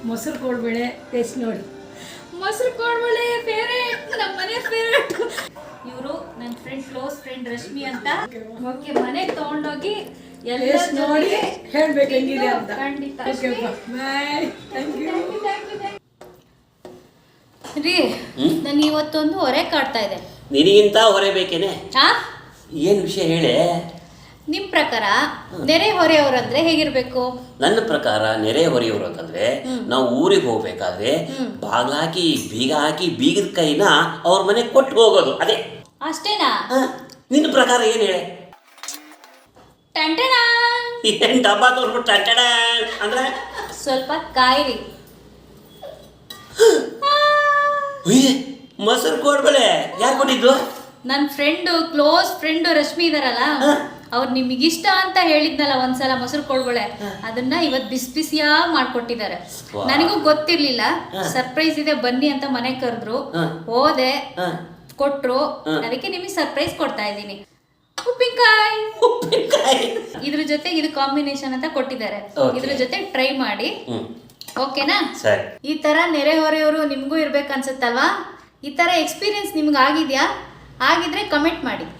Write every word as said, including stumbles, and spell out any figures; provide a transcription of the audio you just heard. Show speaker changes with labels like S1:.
S1: ಮೊಸರು ಕೋಡ್ಬೇಳೆ ಟೇಸ್ಟ್ ನೋಡಿ.
S2: ಮೊಸರು ಕೋಡ್ಬೇಳೆ ಫೇವ್ರೇಟ್, ನಮ್ಮ ಮನೆ ಫೇವ್ರೇಟ್. ಇವರು ನನ್ನ ಫ್ರೆಂಡ್, ಕ್ಲೋಸ್ ಫ್ರೆಂಡ್ ರಶ್ಮಿ ಅಂತ. ಓಕೆ, ಮನೆಗೆ ತಗೊಂಡೋಗಿ ಎಲ್ಲ
S1: ನೋಡಿ ಹೇಳ್ಬೇಕು ಹೆಂಗಿದೆ ಅಂತ.
S2: ಖಂಡಿತ.
S1: ಬಾಯ್. Thank you.
S2: ರೀ, ನಾನು ಇವತ್ತೊಂದು ಹೊರೆ ಕಾಡ್ತಾ ಇದೆ.
S3: ನಿನಗಿಂತ ಹೊರೆ ಬೇಕೇನೆ?
S2: ಹಾ,
S3: ಏನು ವಿಷಯ ಹೇಳೆ?
S2: ನಿಮ್ಮ ಪ್ರಕಾರ ನೆರೆ ಹೊರೆಯವರಂದ್ರೆ ಹೇಗಿರ್ಬೇಕು?
S3: ನನ್ನ ಪ್ರಕಾರ ನೆರೆ ಹೊರೆಯವರು ಅಂತಂದ್ರೆ ನಾವು ಊರಿಗೆ ಹೋಗ್ಬೇಕಾದ್ರೆ ಬಾಗ್ಲ ಹಾಕಿ ಬೀಗ ಹಾಕಿ ಬೀಗದ ಕೈನ ಅವ್ರ ಮನೆ ಕೊಟ್ಟು ಹೋಗೋದು, ಅದೇ.
S2: ಅಷ್ಟೇನಾ?
S3: ನಿನ್ನ ಪ್ರಕಾರ ಏನು ಹೇಳೆ?
S2: ಟಂಟಣ
S3: ಏನು ಡಬ್ಬ ತೋರ್ಬಿಟ್ಟು ಟಂಟಣ ಅಂದ್ರೆ
S2: ಸ್ವಲ್ಪ ಕಾಯಿರಿ.
S3: ಮೊಸರು ಕೋಡ್ಬೇಳೆ ಯಾರು ಕೊಟ್ಟಿದ್ದು?
S2: ನನ್ನ ಫ್ರೆಂಡು, ಕ್ಲೋಸ್ ಫ್ರೆಂಡು ರಶ್ಮಿ ಇದಾರಲ್ಲ, ಅವ್ರು ನಿಮಗಿಷ್ಟ ಅಂತ ಹೇಳಿದ್ನಲ್ಲ ಒಂದ್ಸಲ ಮೊಸರು ಕೋಡ್ಬೇಳೆ, ಅದನ್ನ ಇವತ್ತು ಬಿಸಿ ಬಿಸಿಯಾಗಿ ಮಾಡ್ಕೊಟ್ಟಿದ್ದಾರೆ. ನನಗೂ ಗೊತ್ತಿರ್ಲಿಲ್ಲ, ಸರ್ಪ್ರೈಸ್ ಇದೆ ಬನ್ನಿ ಅಂತ ಮನೆಗೆ ಕರೆದ್ರು, ಹೋದೆ, ಕೊಟ್ರು. ಅದಕ್ಕೆ ನಿಮಗೆ ಸರ್ಪ್ರೈಸ್ ಕೊಡ್ತಾ ಇದ್ದೀನಿ. ಉಪ್ಪಿನಕಾಯಿ
S3: ಉಪ್ಪಿನಕಾಯಿ
S2: ಇದ್ರ ಜೊತೆ ಇದು ಕಾಂಬಿನೇಷನ್ ಅಂತ ಕೊಟ್ಟಿದ್ದಾರೆ. ಇದ್ರ ಜೊತೆ ಟ್ರೈ ಮಾಡಿ, ಓಕೆನಾ?
S3: ಸರಿ.
S2: ಈ ತರ ನೆರೆ ಹೊರೆಯವರು ನಿಮ್ಗೂ ಇರ್ಬೇಕು ಅನ್ಸುತ್ತಲ್ವಾ? ಈ ತರ ಎಕ್ಸ್ಪೀರಿಯನ್ಸ್ ನಿಮ್ಗೆ ಆಗಿದ್ಯಾ? ಆಗಿದ್ರೆ ಕಮೆಂಟ್ ಮಾಡಿ.